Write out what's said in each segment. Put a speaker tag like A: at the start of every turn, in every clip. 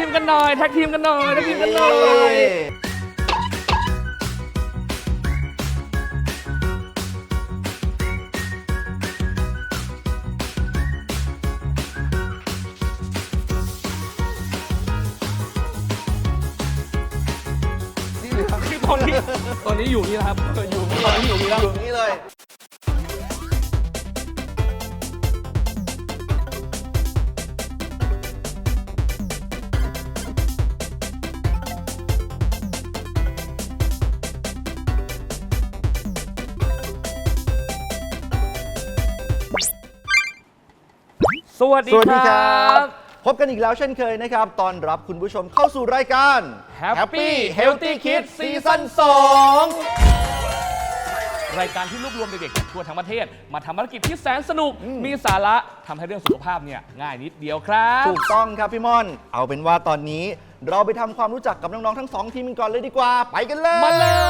A: กันหน่อยแท็กทีมกันหน่อยแท็กทีมกันหน่อยตอนนี้อยู่นี่นะครับอยู่ตอนนี้อยู่นี่แล้ว
B: อยู่นี่เลย
A: สวัสดีครับ
B: พบกันอีกแล้วเช่นเคยนะครับตอนรับคุณผู้ชมเข้าสู่รายการ
A: Happy Healthy Kids ซีซั่น 2 รายการที่รวบรวมเด็กๆทั่วทั้งประเทศมาทำภารกิจที่แสนสนุกมีสาระทำให้เรื่องสุขภาพเนี่ยง่ายนิดเดียวครับ
B: ถูกต้องครับพี่ม่อนเอาเป็นว่าตอนนี้เราไปทำความรู้จักกับน้องๆทั้ง2ทีมกันก่อนเลยดีกว่าไปกันเลย
A: มาเลย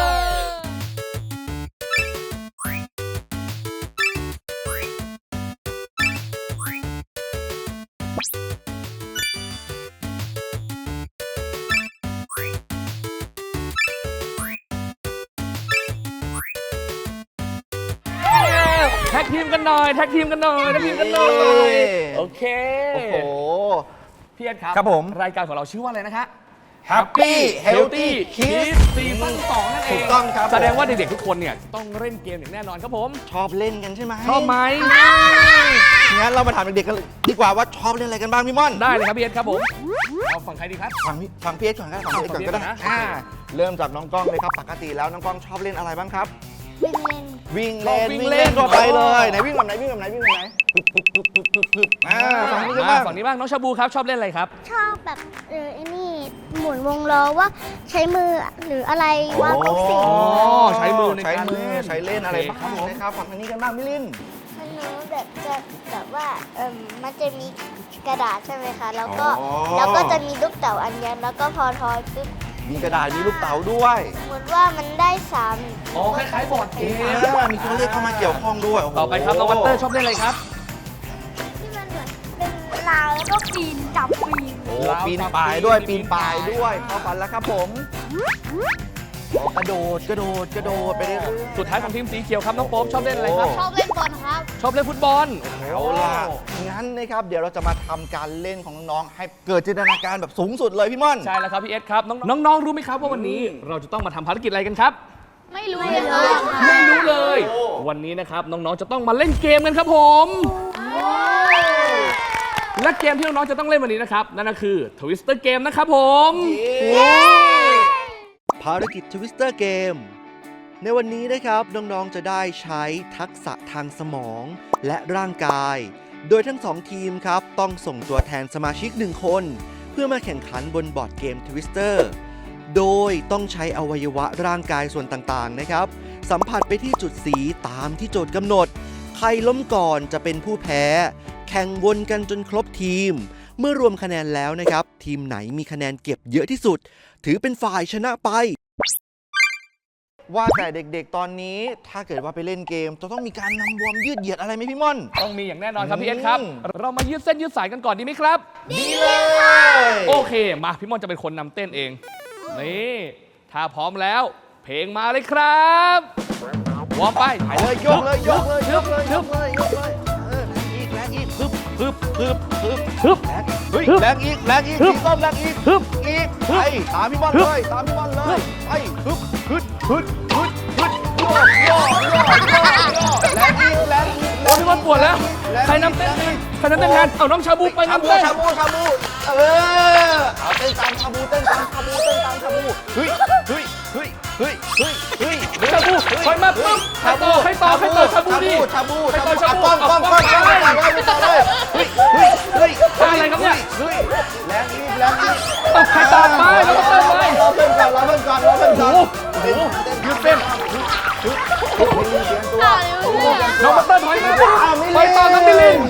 A: แท็กทีมกันหน่อยแท็กทีมกันหน่อยแท็กทีมกันหน่อยโอเค
B: โอ้โห
A: พี่เอ็ดครับ
B: ครับผม
A: รายการของเราชื่อว่าอะไรนะคะ
B: Happy Healthy Kids
A: ซีซั่น 2 นั่นเอง
B: ถูกต้องครับ
A: แสดงว่าเด็กๆทุกคนเนี่ยต้องเล่นเกมอย่างแน่นอนครับผม
B: ชอบเล่นกันใช่ไหม
A: ชอบไหม
B: งั้นเรามาถามเด็กๆกันดีกว่าว่าชอบเล่นอะไรกันบ้างพี่ม่อน
A: ได้เลยครับพี่เอ็ดครับผมเอาฝั่งใครดีครับ
B: ฟังพี่เอ็ดก่อนครับฟังพี่เอ็ดก่อนก็ได้เริ่มจากน้องกล้องเลยครับปกติแล้วน้องกล้องชอบเล่นอะไรบ้างครับวิ่งเล่นทั่วไปเลยไหนวิ่งแบบไหนฝั่งนี้กันบ้าง
A: ฝั่งนี้บ้างน้องชาบูครับชอบเล่นอะไรครับ
C: ชอบแบบไอ้นี่หมุนวงล้อว่าใช้มือหรืออะไรวาดรูปสี
A: ใช้มือในการ
B: ใช้เล่นอะไรบ้างนะครับฝั่งนี้กันบ้างมิลิน
C: หนูแบบว่ามันจะมีกระดาษใช่ไหมคะแล้วก็จะมีลูกเต๋าอันยันแล้วก็พอทอยปุ๊บ
B: มีกระดาษมีลูกเต๋าด้วย
C: สมมติว่ามันได้
A: คล้ายๆบอร์ดเกม
B: มีตัวเลขเข้ามาเกี่ยวข้องด้วย
A: ต่อไปครับน้องวัตเตอร์ชอบเล่นอะไรครับ
C: ที่มันเหมือนเป็นราวแล้วก็ปีนจับ
B: ปีนป่ายด้วยเข้าฟันแล้วครับผมกระโดดไปเรื่อย
A: ๆสุดท้ายของทีมสีเขียวครับน้องโป๊ปชอบเล่นอะไรครับ
C: ชอบเล่นบอลครับ
A: ชอบเล่นฟุตบอล
B: เอาล่ะงั้นนะครับเดี๋ยวเราจะมาทำการเล่นของน้องๆให้เกิดจินตนาการแบบสูงสุดเลยพี่ม่อน
A: ใช่แล้วครับพี่เอสครับน้องๆรู้ไหมครับว่าวันนี้เราจะต้องมาทำภารกิจอะไรกันครับ
C: ไม่รู้เลย
A: วันนี้นะครับน้องๆจะต้องมาเล่นเกมกันครับผมและเกมที่น้องๆจะต้องเล่นวันนี้นะครับนั่นก็คือ Twister Game นะครับผม
B: ภารกิจ Twister Game ในวันนี้นะครับน้องๆจะได้ใช้ทักษะทางสมองและร่างกายโดยทั้ง2ทีมครับต้องส่งตัวแทนสมาชิก1คนเพื่อมาแข่งขันบนบอร์ดเกม Twister โดยต้องใช้อวัยวะร่างกายส่วนต่างๆนะครับสัมผัสไปที่จุดสีตามที่โจทย์กำหนดใครล้มก่อนจะเป็นผู้แพ้แข่งวนกันจนครบทีมเมื่อรวมคะแนนแล้วนะครับทีมไหนมีคะแนนเก็บเยอะที่สุดถือเป็นฝ่ายชนะไปว่าแต่เด็กๆตอนนี้ถ้าเกิดว่าไปเล่นเกมจะต้องมีการนำวอร์มยืดเหยียดอะไรไหมพี่ม่อน
A: ต้องมีอย่างแน่นอนครับพี่เอสครับเรามายืดเส้นยืดสายกันก่อนดีไหมครับ
B: ดีเลย
A: โอเคมาพี่ม่อนจะเป็นคนนำเต้นเองนี่ถ้าพร้อมแล้วเพลงมาเลยครับวอร์มไป
B: เลยยกเลยฮึบแรงอีกพี่ต้นแรงอีกไปตามพี่ม่อนเลยไปฮึบย่อแรงอีก
A: พี่ม่อนปวดแล้วใครนำเต้นแทนเอาน้องชาบูไปนำเต้น
B: ชาบูเอาเต้นตามชาบู
A: ชาบูคอยมาปุ๊บให้ต่อชาบูดิ
B: ชาบูป้องเลย
A: อะไรครับเนี่ย
B: แรงอีก
A: ใครต่อไปแล้วก็เต้นไป
B: รอเพื่อนก่อน
A: ยืดเส้นน้องมาเต้นถอยมาไปต่อน้ำมิลิน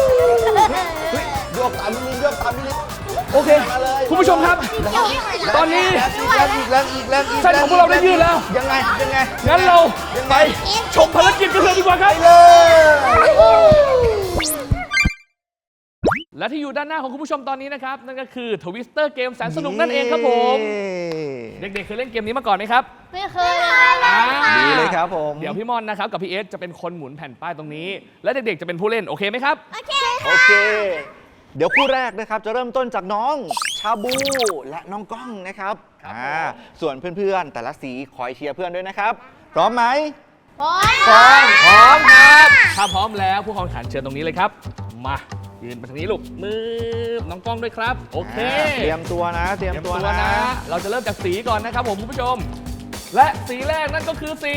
B: ยกตามมิลิน
A: โอเคคุณผู้ชมครับตอนนี้
B: แรงอีก
A: เส้นของพวกเราได้ยืดแล้ว
B: ยังไง
A: งั้นเราไปชมภารกิจกันเลยดีกว่าครับและที่อยู่ด้านหน้าของคุณผู้ชมตอนนี้นะครับนั่นก็คือทวิสเตอร์เกมแสนสนุกนั่นเองครับผมเด็กๆเคยเล่นเกมนี้มาก่อนไหมครับ
C: ไม่เคยเลยค่ะ
B: ดีเลยครับผม
A: เดี๋ยวพี่มอนนะครับกับพี่เอสจะเป็นคนหมุนแผ่นป้ายตรงนี้ และเด็กๆจะเป็นผู้เล่นโอเคไหมครับ
C: โอเค
B: โอเค เดี๋ยวคู่แรกนะครับจะเริ่มต้นจากน้องชาบูและน้องก้องนะครับ
A: ครับ
B: ส่วนเพื่อนๆแต่ละสีคอยเชียร์เพื่อนด้วยนะครับพร้อมไหม
C: พร้อ
B: พร้อม
A: พร้อมครับถ้าพร้อมแล้วผู้แข่งขันเชิญตรงนี้เลยครับมายืนไปทางนี้ลูกมือน้องกล้องด้วยครับโอเค
B: เตรียมตัวนะ เตรียมตัวนะ
A: เราจะเริ่มจากสีก่อนนะครับผมคุณผู้ชม และสีแรกนั่นก็คือสี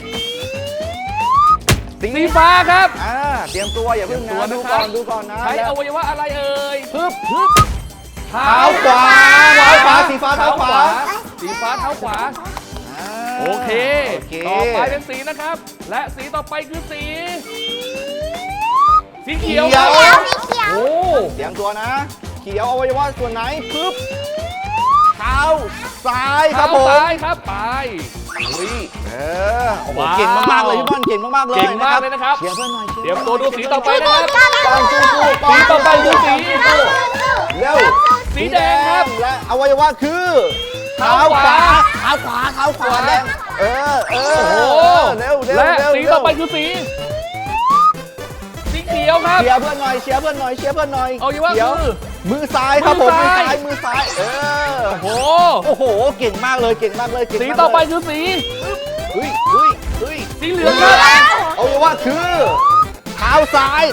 A: ฟ้าครับ
B: เตรียมตัวอย่าเพิ่ง
A: เตรียมตัว
B: นะ
A: นะครับ
B: ดูก่อนนะ
A: ใช้
B: แล้ว
A: อวัยวะอะไรเอ่ย
B: ปึ๊บ
A: เท้า
B: เท้าขวาสีฟ้าเท้าขวา
A: สีฟ้าเท้าขวาโอเค ต่อไปเป็นสีนะครับ และสีต่อไปคือสีเขียวครับโอ้
B: เตรียมตัวนะ เขียวอวัยวะส่วนไหนปึ๊บเท้าซ้ายค
A: เท้า
B: รับผม
A: ซ้ายครับไป
B: อุ้ยโอ้โห
A: ว้าว
B: เก่งมากๆเลยพี่บอลเก่งมากๆเลย
A: เก่งมากเลยนะครับ
B: เชียร์เพื่อนหน่อย
A: เตรียมตัวดูสีต่อไปนะครับ
B: กองสู้ๆ
A: สีต่อไปคือสี
B: เร็ว
A: สีแดงครับ
B: และอวัยวะคือ
A: เท้าขวา
B: เท้าขวาแดงเออ
A: โอ้โห
B: เร็ว
A: และสีต่อไปคือสีเขียวครับ
B: เชียร์เพื่อนหน่อยเชียร์เพื่อนหน่อยเชียร์เพื่อนหน่อย
A: เอาอยู่ว่า
B: เดี๋ยว
A: คือ
B: มือซ้ายครับผม
A: มื
B: มื
A: อ
B: อ
A: ซ้า
B: ซ้าย ยมือซ้าย
A: โอ้โห
B: โอ้โหเก่งมากเลยเก่งมากเลยเก่ง
A: สี
B: มากเลย
A: ต่อไปคือสี
B: เฮ้ย
A: สีเหลืองครับ
B: เอาไว้ว่าคือเท้าซ้าย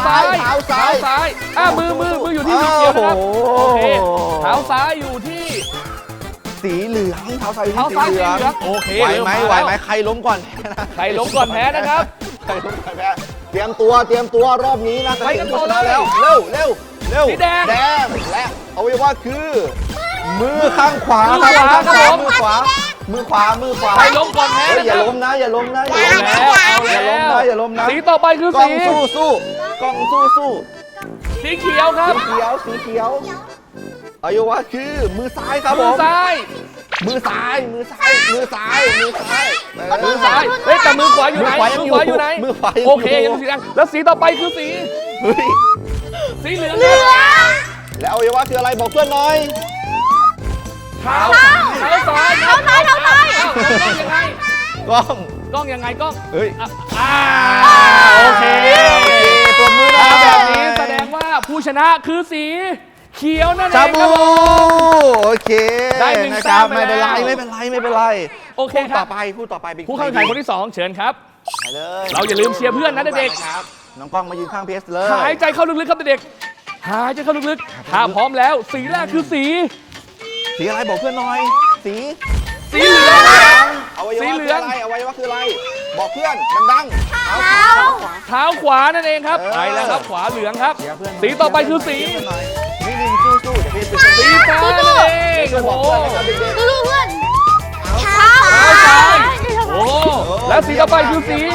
A: มืออยู่ที่สีเขียวนะครับ
B: โอ้
A: โอ
B: โห
A: เคเท้าซ้ายอยู่ที่
B: สีเหลืองเท้าซ้ายอยู่
A: เท้า
B: ที่
A: ซ้าย
B: สี
A: สี
B: เหลือง
A: เหลืองโอเค
B: ไหวไหม
A: เริ่
B: ไหว
A: มา
B: ไหม
A: แล้ว
B: ใครล้มก่อนแพ้นะ
A: ใครล้มก่อนแพ้นะครับ
B: ใครล้มก่อนแพ้เตรียมตัวรอบนี้นะ
A: ไปกันต่อ
B: จะถึงผู้ชะ
A: เลย
B: แล้วเร็ว
A: สีแดง
B: และเอาไว้ว่าคือ มือข้างขวา
A: มือขวาครับผม
B: มือขวา
A: ใครล้มก่อนแพ้
B: เฮ้ย
A: นะ
B: อ
A: ค
B: ย่า
A: รับ
B: ล้มนะอย่าล้มนะ
A: เอาแล้วเอาแล้ว
B: อย่าล้มนะ
A: สีต่อไปคือก
B: ล้อ
A: สี
B: งสู้กล้องสู้
A: สีเขียวครับ
B: สีเขียวอายุวะคือมือซ้ายครับผ
A: มือ
B: ม
A: ซ้าย
B: มือซ้าย
A: มือซ้ายเฮ้ยแต่มือขวาอยู่ไหน
B: มือขวายัง
A: มือขวาอยู่ไหน
B: มือขวายังอยู่
A: โอเคยังสีแดงแล้วสีต่อไปคือสี
B: เฮ้ย
A: สีเหลือง
B: แล้วอวัยวะคืออะไรบอกเพื่อนหน่อย
A: เท้าซ้ายครับกล้องยังไง
B: กล้อง
A: กล้องยังไงกล้อง
B: เฮ้ย
A: โอเค
B: ปรบมือนะ
A: แบบนี้แสดงว่าผู้ชนะคือสีเขียวนั่นเอง
B: ชา
A: ค
B: บู
A: รับผม
B: โอเค
A: ได้หนึ่ง
B: นะครับ
A: แต้มไป
B: ไม่เป็นไร
A: แล้ว
B: ไม่เป็นไร
A: โอเค
B: พูด
A: ครั
B: ต่อบ ไปเป็น
A: ผู้เข้าแข่งขันคนที่สองเชิญครับ
B: ไปเลย
A: เราอย่าลืมเชียร์เพื่อนนะเด็ก
B: ครับน้องกล้องมายืนข้างเพสเลย
A: หายใจเข้าลึกๆครับเด็กหายใจเข้าลึกๆถ้าพร้อมแล้วสีแรกคือสี
B: สีอะไรบอกเพื่อนหน่อยสี
A: สีเหลือง
B: อวัยวะ
A: สีเหลื
B: คือ
A: อง
B: อะไรอวัยวะคืออะไร บอกเพื่อนดังๆเอาขวา
A: เท้าขวานั่นเองครับ
B: เออ
A: ไปแล้วครับขวาเหลืองครับ
B: เชียร์เพื่อน
A: สีต่อไปคือสี
B: เชียร์เพื่อนหน่อยนิ่งๆสู้ๆเดี๋ยวเพสเป็นคน
A: สีฟ้านั่นเอง
B: ช่วยบ
A: โอ้
B: อก
A: โห
B: เพื่อนนะครับเด็ก
C: ดูเพื่อนเท้า
A: เท้าซ้ายโอ้โห
B: ๆ
A: แล้วสีต่อไปคือสี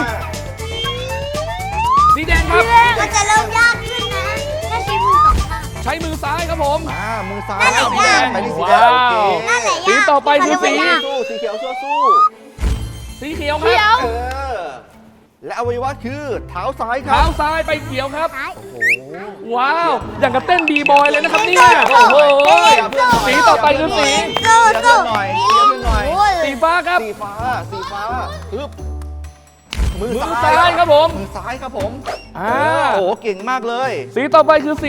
A: สีแดงครับ
C: มันจะเริ่มยากขึ้นนะถ้าใช้มือสองข้าง
A: ใช้มือซ้ายครับผม
B: มือซ้าย
C: นั่นแหละ
B: สีแดงไปที่สีแดง
A: ว้าว
B: โอเค
C: นั่นแหละยาก
A: สีต่อไปคือสี
B: สู้สีเขียวสู้
A: สีเขียวค
C: เขีย
A: รั
C: ว
A: บ
B: และอวัยวะคือเท้าซ้ายครั
A: เท้า
B: บ
A: ซ้ายไปเขียวครับ
C: ซ้าย
A: ว้าว อย่างกับเต้นบีบอยเลยนะครับเนี่ยโอ้โห สีต่อไปคือสี
C: สู้
B: เชียร์เพื่
C: สู้
B: อนหน่อยเชียร์เพื่อนหน่อย
A: สีฟ้าครับ
B: สีฟ้าปึ๊บมือ
A: มือ
B: ซ้าย
A: ซ้ายครับผม
B: มือซ้ายครับผม
A: อ่า
B: โอ้โหเก่งมากเลย
A: สีต่อไปคือสี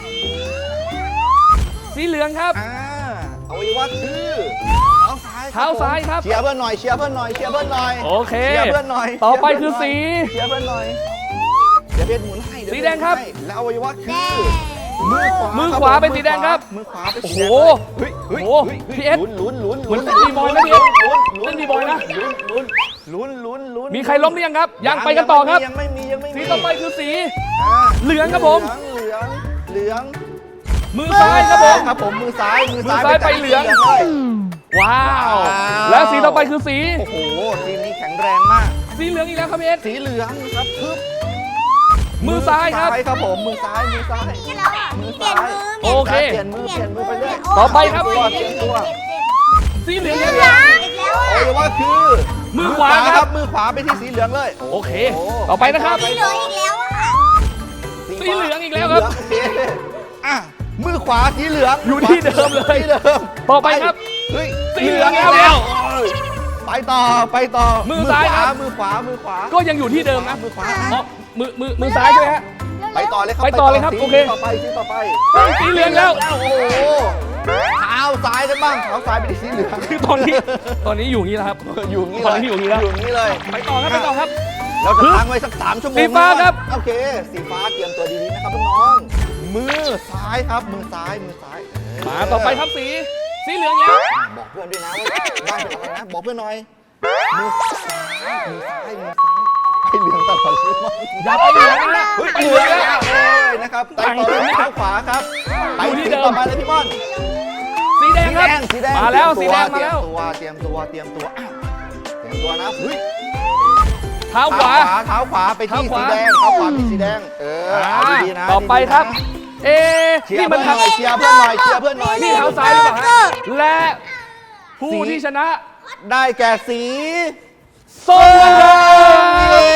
A: สีเหลืองครับ
B: อวัยวะคือเท้าซ้าย
A: เท้าซ้ายครับ
B: เชียร์เพื่อนหน่อยเชียร์เพื่อนหน่อยเชียร์เพื่อนหน่อย
A: โอเค
B: เชียร์เพื่อนหน่อย
A: ต่อไปคือสี
B: เชียร์เพื่อนหน่อยเดี๋ยวเพชรหมุนให้
A: สีแดงครับ
B: แล้วอวัยวะคือ
A: มือขวาเป็นสีแดงครับ
B: มือขวาเป็น
A: โอ้
B: สี
A: โห
B: แดงเฮ้ย
A: โอ้โหพี่เอส
B: ลุ้น
A: เหมือนเต้นบีบอยนะพี่เอสเต้นบีบอยนะ
B: ลุ้น
A: มีใครล้มหรือยังครับ ยังไปกันต่อครับ
B: ยังไม่มี
A: สีต่อไปคือสี
B: อ่า
A: เหลืองครับผม
B: เหลือง
A: มือซ้ายครับผม
B: ครับผมมือซ้าย
A: มือซ้ายไปเหลือง
B: เลย
A: ว้าว
B: ว้าว
A: และสีต่อไปคือสี
B: โอ้โหทีมนี้แข็งแรงมาก
A: สีเหลืองอีกแล้วครับพี่เอส
B: สีเหลืองครับปึ๊บ
A: มือซ้ายครับ
B: ครับผมมือซ้าย
C: นี่แล้วอ่ะ
B: มือ
C: เปลี่
B: ซ้าย
C: ยนมือ
A: โอเค
B: เปลี่ยนมือไปเรื่อย
A: ต่อไปครับ
B: เตยมตัว
A: สีเหลือง
C: เห
A: อี
C: ลื
A: ก
C: อ
A: แล้ว
C: งอีกแล้ว
B: โอ้
C: อ่ะ
B: ยว่าคือ
A: มือขวาครับ
B: มือขวาไปที่สีเหลืองเลย
A: โอเค ต่อไปนะครับ
C: เหลืองอีกแล้วอ่ะ
A: สีเหลืองอีกแล้วครับ
B: โอเคอ่ะมือขวาสีเหลือง
A: อยู่ที่เดิมเลย
B: ที่เดิม
A: ต่อไปครับ
B: เฮ้ย
A: สีเหลืองแล้ว
B: โอ้ยไปต่อไปต่อ
A: มือซ้ายครับ
B: มือขวามือขวา
A: ก็ยังอยู่ที่เดิมนะ
B: มือขวา
A: อ๋อมือซ้ายใช่ไหมฮะ
B: ไปต่อเลยครับ
A: ไปต่อเลยครับ
B: สี
A: โอเค
B: ต่อไปสีต่อไป
A: เฮ้ยสีเหลืองแล้ว
B: โอ้โหเท้าซ้ายกันบ้างเท้าซ้ายเป็นสีเหลือง
A: คือตอนนี้อยู่อย่างนี้แล้วครับ
B: อยู่อย่างนี้
A: ต
B: เล
A: อน
B: ย
A: นี้อยู่อย่างนี้แล้ว
B: อยู่อย่างนี้เลย
A: ไปต่อครับไปต่อครับ
B: เราจะค้างไว้สัก3 ชั่วโมง
A: สีฟ้าครับ
B: โอเคสีฟ้าเตรียมตัวดีๆนะครับน้องๆมือซ้ายครับมือซ้าย
A: มาต่อไปครับสีเหลืองแล้ว
B: บอกเพื่อนด้วยนะว่าบ้านเป็นอะไรนะบอกเพื่อนหน่อยมือซ้ายให้เหลืองตลอดเลยมั้ง
A: อย่าไปเหลืองนะ
B: เฮ้ย
A: ไป
B: เห
A: เห
B: ลื
A: ลื
B: อ
A: อง ง
B: แล้
A: แล้ว ว
B: นะครับไปต่อเลยเท้าขวาครับไป
A: อยู่ที่
B: ที่
A: เดิม
B: ต่อไปเลยพี่บอล
A: สีแดงครับ
B: สีแดง
A: มาแล้วสีแดงมาแล้ว
B: เตรียมตัวอ่ะเตรียมตัวนะเฮ้ย
A: เท้าขวา
B: เท้าขวาไปที่
A: เท้าข
B: สี
A: วา
B: แดงเท้าขวาที่สีแดงเอาดีๆนะ
A: ต่อไป
B: ดีๆนะครับ
A: เอ๊ะ
B: เชีย
A: นี่
B: ร์
A: มั
B: เพื่อน นหน่อยเชียร์เพื่อนหน่อยเชียร์เพื่อนหน่อย
A: นี่เท้าซ้ายหรือเปล่าฮะและผู้ที่ชนะ
B: ได้แก่สี
A: ส้ม
B: เย้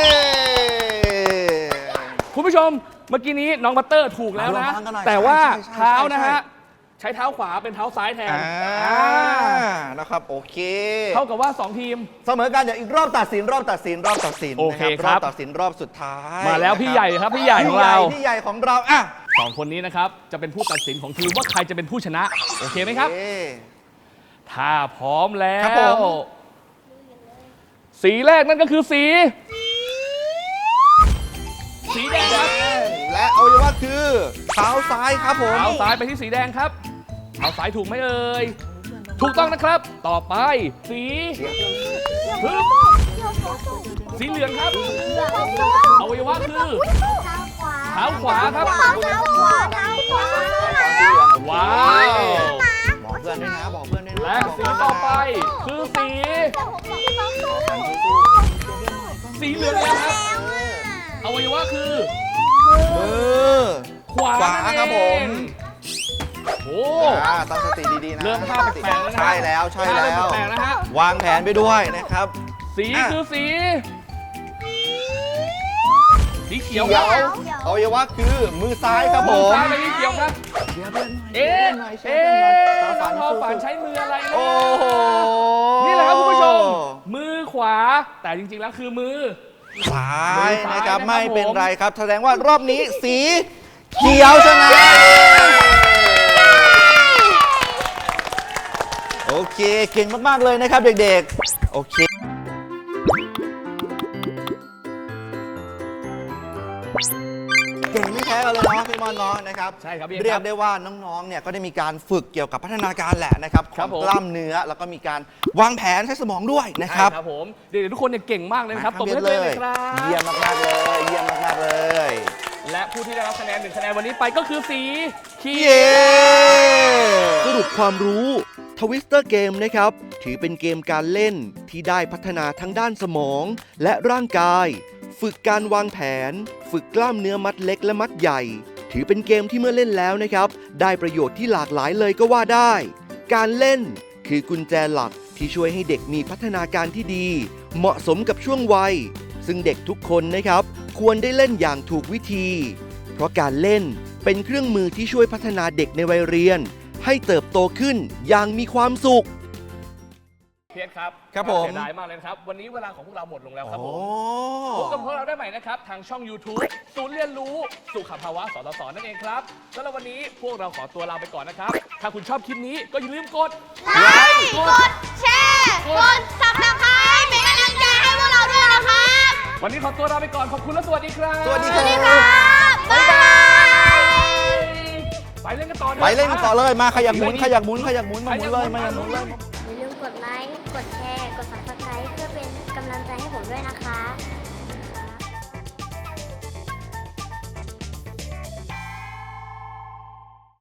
A: คุณผู้ชมเมื่อกี้นี้น้องบัตเตอร์ถูกแล้วนะ
B: เอาระวังกันหน่อย
A: แต่ว่า
B: ใช่
A: เท้านะ
B: ใช่
A: ฮะใช้เท้าขวาเป็นเท้าซ้ายแทน
B: นะครับโอเค
A: เท่ากับว่า 2 ทีม
B: เสมอกันเดี๋ยวอีกรอบตัดสินรอบตัดสิน
A: โอเค
B: นะครับ รอบตัดสินรอบสุดท้าย
A: มาแล้วพี่ใหญ่ครับพี่ใหญ่ของเรา
B: พี่ใหญ่ของเราอ่ะ
A: 2 คนนี้นะครับจะเป็นผู้ตัดสินของทีมว่าใครจะเป็นผู้ชนะ โอเคไหมครับ
B: โอเ
A: ถ้าพร้อมแล้
B: ครับผ
A: ว
B: ม
A: สีแรกนั่นก็คือสีแดงครับ
B: และอวัยวะคือเท้าซ้ายครับผม
A: เท้าซ้ายไปที่สีแดงครับเท้าซ้ายถูกไหมเอ่ยถูกต้องนะครับ ต่อไปสีฮึบสีเหลืองครับอวัยวะคือเท้าขวาครับ ว้าว
B: บอกเพื่อนด้วยนะบอกเพื่อนด้วยนะ
A: และสีต่อไปคือสีเหลืองแล้วครับอวัยวะคือ
B: มือ
A: ขวา
B: ขวาครับผม
A: โอ้
B: ตั้งสติดีๆนะ
A: เริ่มภาพแปลกๆแล้วนะ
B: ใช่แล้วใช่แล้ว
A: เริ่มแปลกๆแล้วฮะ
B: วางแผนไปด้วยนะครับ
A: สีคือสีเขียว
B: เขี
A: ค
B: ย
A: รับ
B: วอวัยวะคือมือซ้ายครับผ
A: มือ
B: ม
A: ซ้ายไปที่เขียวครับ เอ๊ะน้องทอฝันใช้มืออะไรนะ
B: โอ้โห
A: นี่แหละครับคุณผู้ชม มือขวา แต่จริงๆแล้วคือมือ
B: ซ้ายนะครับ
A: มือซ้ายนะครับ
B: ไม่เป็น
A: ผม
B: ไรครับแสดงว่ารอบนี้สีเขียวชนะโอเคเก่งมากๆเลยนะครับเด็กๆโอเคเก่งไม่แพ้กันเลยเนาะพี่มอนเนาะนะครับ
A: ใช่ครับพี่
B: เรียกได้ว่าน้องๆเนี่ยก็ได้มีการฝึกเกี่ยวกับพัฒนาการแหละนะครับข
A: ครั
B: อบ ง
A: ผม
B: กล้ามเนื้อแล้วก็มีการวางแผนใช้สมองด้วยนะครับ
A: ใช่ครับผมเด็กๆทุกคนเนี่ยเก่งมากเลยนะครับตบมือให้
B: เล
A: เลย ยครับ
B: เยี่ยมมากๆเลยเยี่ยมมากๆเลย
A: และผู้ที่ได้รับคะแนน1 คะแนนวันนี้ไปก็คือสีเขี
B: เย้
A: ยว
B: ส
D: สรุปความรู้ทวิสเตอร์เกมนะครับ ถือเป็นเกมการเล่นที่ได้พัฒนาทั้งด้านสมองและร่างกาย ฝึกการวางแผน ฝึกกล้ามเนื้อมัดเล็กและมัดใหญ่ ถือเป็นเกมที่เมื่อเล่นแล้วนะครับ ได้ประโยชน์ที่หลากหลายเลยก็ว่าได้ การเล่นคือกุญแจหลักที่ช่วยให้เด็กมีพัฒนาการที่ดี เหมาะสมกับช่วงวัย ซึ่งเด็กทุกคนนะครับ ควรได้เล่นอย่างถูกวิธี เพราะการเล่นเป็นเครื่องมือที่ช่วยพัฒนาเด็กในวัยเรียน ให้เติบโตขึ้นอย่างมีความสุข
A: เพียรครับ
B: ครับผม
A: เสียดายมากเลยนะครับวันนี้เวลาของพวกเราหมดลงแล้วครับผ
B: โอ้
A: ม พบกับพวกเราได้ใหม่นะครับ ทางช่อง YouTube ศูนย์เรียนรู้สุขภาวะสสสนั่นเองครับสำหรับวันนี้พวกเราขอตัวลาไปก่อนนะครับ ถ้าคุณชอบคลิปนี้ก็อย่าลืมกด
C: ไลค์ กดแชร์ กดซับสไครต์เป็นกำลังใจให้พวกเราด้วยนะครับ
A: วันนี้ขอตัวลาไปก่อน ขอบคุณและสวัสดีครับ
B: สวัสดี
C: ส
B: ค
C: วั
B: รั
C: สดี
B: บ
C: ครับ บ๊ายบาย
A: ไปเล่นกันต่อถอะ
B: ไปเล่นกันต่อเลยมาขยับหมุนขยับหมุนขยับหมุนมาหมุนเลยมาหมุนเลย
C: อย่าลืมกดไลค์ กดแชร์ กดซับสไครต์เพื่อเป็นกำลังใจให้ผมด้วยนะคะ